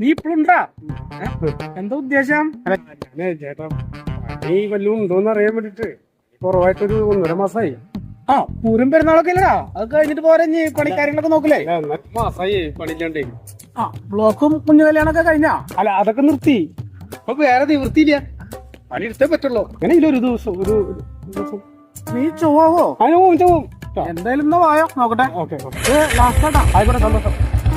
നീ ഇപ്പഴുണ്ടാ? എന്താ ഉദ്ദേശം? ചേട്ടാ പണി വല്ലതും ഉണ്ടോന്ന് അറിയാൻ വേണ്ടിട്ട് കുറവായിട്ടൊരു 1.5 മാസമായി. ആ പൂരം പെരുന്നാളൊക്കെ ഇല്ലടാ, അത് കഴിഞ്ഞിട്ട് പോരെ നീ പണിക്കാര്യങ്ങളൊക്കെ നോക്കില്ലേ? മാസമായി പണിയില്ലാണ്ടേ. ആ ബ്ലോക്കും കുഞ്ഞു കല്യാണൊക്കെ കഴിഞ്ഞാ? അല്ല അതൊക്കെ നിർത്തി. അപ്പൊ വേറെ നിവൃത്തിയില്ല, പണി എടുത്തേ പറ്റുള്ളൂ. അങ്ങനെ ഇല്ല ഒരു ദിവസം നീ ചൊവ്വാവോ? അതിന് പോവും. എന്തായാലും എന്നാ വായോ നോക്കട്ടെ. ഓക്കെ ലാസ്റ്റ് ആട്ടാ. ആയിക്കോട്ടെ, സന്തോഷം.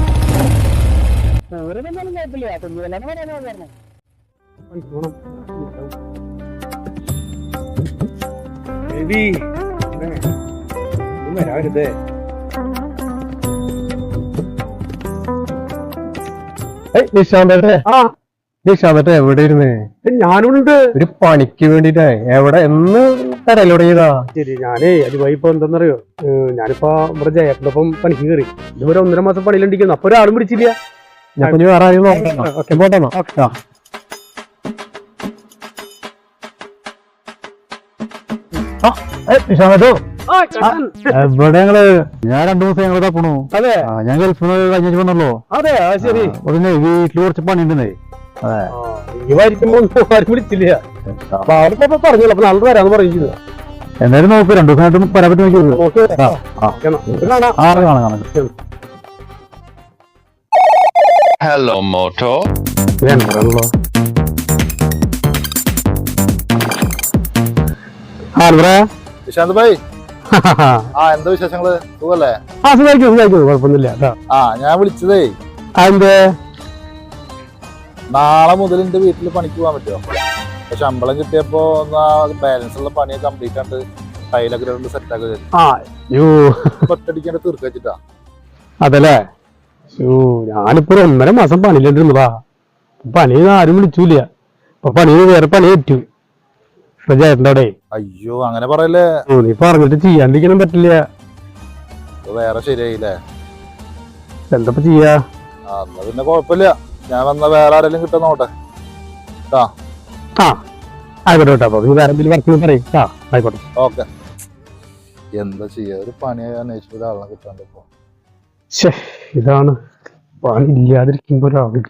വരാവരുതേ. നിഷാന്തേ എവിടെ ഇരുന്ന്? ഞാനുണ്ട് ഒരു പണിക്ക് വേണ്ടിട്ടേ. എവിടെ എന്ന് തരലോടങ്ങിയതാ? ശരി, ഞാനേ അതുമായി ഇപ്പൊ എന്താന്നറിയോ, ഞാനിപ്പോ ഇവിടെ ജയത്തിന്റെ ഒപ്പം പണിക്ക് കയറി. ഇതുവരെ 1.5 മാസം പണിയിലുണ്ടിരിക്കുന്നു. അപ്പൊ ഒരാളും പിടിച്ചില്ല. ഞാൻ കുഞ്ഞു വേറെ ആരെയും പോട്ടെന്നോ? നിഷാന്തോ എവിടെ ഞങ്ങള്? ഞാൻ 2 ദിവസം ഞങ്ങൾ തപ്പണു. അതെ, ഞാൻ ഗൾഫിൽ കഴിഞ്ഞു വന്നല്ലോ. അതെ ശരി. ഉടനെ വീട്ടില് കുറച്ച് പണിയുണ്ടെന്നേ. അതെ, ആരും വിളിച്ചില്ല. അപ്പൊ അവർക്ക് പറഞ്ഞല്ലോ, അപ്പൊ നാളെ വരാന്ന് പറയുന്നത്. എന്തായാലും നോക്ക്, 2 ദിവസമായിട്ടും വരാൻ പറ്റും. കാണാം. Hello, Moto. നിശാന്ത് ഭായ്, എന്താ വിശേഷങ്ങള്? സുഖല്ലേ? കുഴപ്പമൊന്നുമില്ല. ഞാൻ വിളിച്ചതേ, അതെന്തേ? നാളെ മുതൽ എന്റെ വീട്ടിൽ പണിക്ക് പോകാൻ പറ്റുമോ? ശമ്പളം കിട്ടിയപ്പോ ബാലൻസ് ഉള്ള പണി കംപ്ലീറ്റ് ആയിട്ട് ടൈലൊക്കെ സെറ്റ് ആക്കി ഒറ്റടിക്കാണ്ട് തീർക്ക വെച്ചിട്ടാ. അതല്ലേ, ഞാനിപ്പോ 1.5 മാസം പണിയിലിരുന്നതാ. പണി ആരും വിളിച്ചൂല. അപ്പൊ പണി വേറെ പണി പറ്റൂ ചേട്ടൻ്റെ. അയ്യോ, അങ്ങനെ പറയല്ലേ. നീ പറഞ്ഞിട്ട് ചെയ്യാണ്ടിരിക്കാനും പറ്റില്ല. വേറെ ശരിയായില്ലേ? എന്താ ചെയ്യാ? എന്നാ പിന്നെ കൊഴപ്പില്ല, ഞാൻ വന്ന വേറെ ആരെങ്കിലും കിട്ടാൻ നോട്ടെ. ആയിക്കോട്ടെ. അപ്പൊ നീ വേറെ എന്തെങ്കിലും വർക്കിന് പറയും. ആയിക്കോട്ടെ. ഓക്കെ. എന്താ ചെയ്യാ, ഒരു പണി അന്വേഷിച്ച ഒരാളെ കിട്ടാണ്ട് ഇപ്പൊ. ഇതാണ് പണി ഇല്ലാതിരിക്കുമ്പോ ഒരാളില്ല.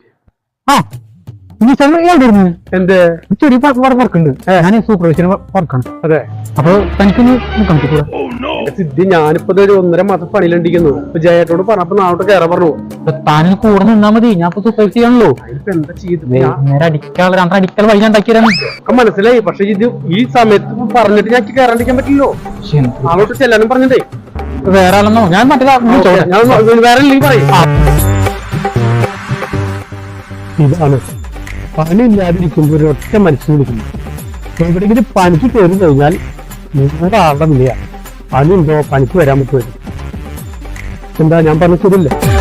എന്റെ ചെറിയ വർക്കുണ്ട്. ഞാൻ സൂപ്പർവൈസർ വർക്കാണ്. അതെ, അപ്പൊ തനിക്കൊന്ന് സിദ്ധി, ഞാനിപ്പോ 1.5 മാസം പണിയിലുണ്ടിരിക്കുന്നു. ഇപ്പൊ ജയേട്ടോട് പറഞ്ഞപ്പോ നാളോട്ട് കയറാൻ പറഞ്ഞു. താനിന് കൂടെ നിന്നാ മതി, ഞാൻ ഇപ്പൊ സൂപ്പർവൈസ് ചെയ്യാണല്ലോ. ഇപ്പൊ എന്താ ചെയ്ത്? നേരെ അടിക്കാനുള്ള 2 അടിക്കൽ വഴി ഉണ്ടാക്കിയതാണ്. മനസ്സിലായി. പക്ഷെ ഇത് ഈ സമയത്ത് പറഞ്ഞിട്ട് ഞാൻ കയറാണ്ടിരിക്കാൻ പറ്റില്ലോ. നാളോട്ട് ചെല്ലാനും പറഞ്ഞിട്ടേ. വേറെ ആളെന്നോ? ഞാൻ മറ്റേ വേറെ പറയും. ഇതാണ് പണി ഇല്ലാതിരിക്കുമ്പോ ഒരൊറ്റ മനുഷ്യൻ വിളിക്കുന്നു. എവിടെയെങ്കിലും പണിക്ക് കയറി കഴിഞ്ഞാൽ വേറെ ആളുടെ വിളിയാ. പണിയുണ്ടോ, പണിക്ക് വരാൻ പറ്റുമോ? എന്താ ഞാൻ പറഞ്ഞ ശരിയല്ലേ?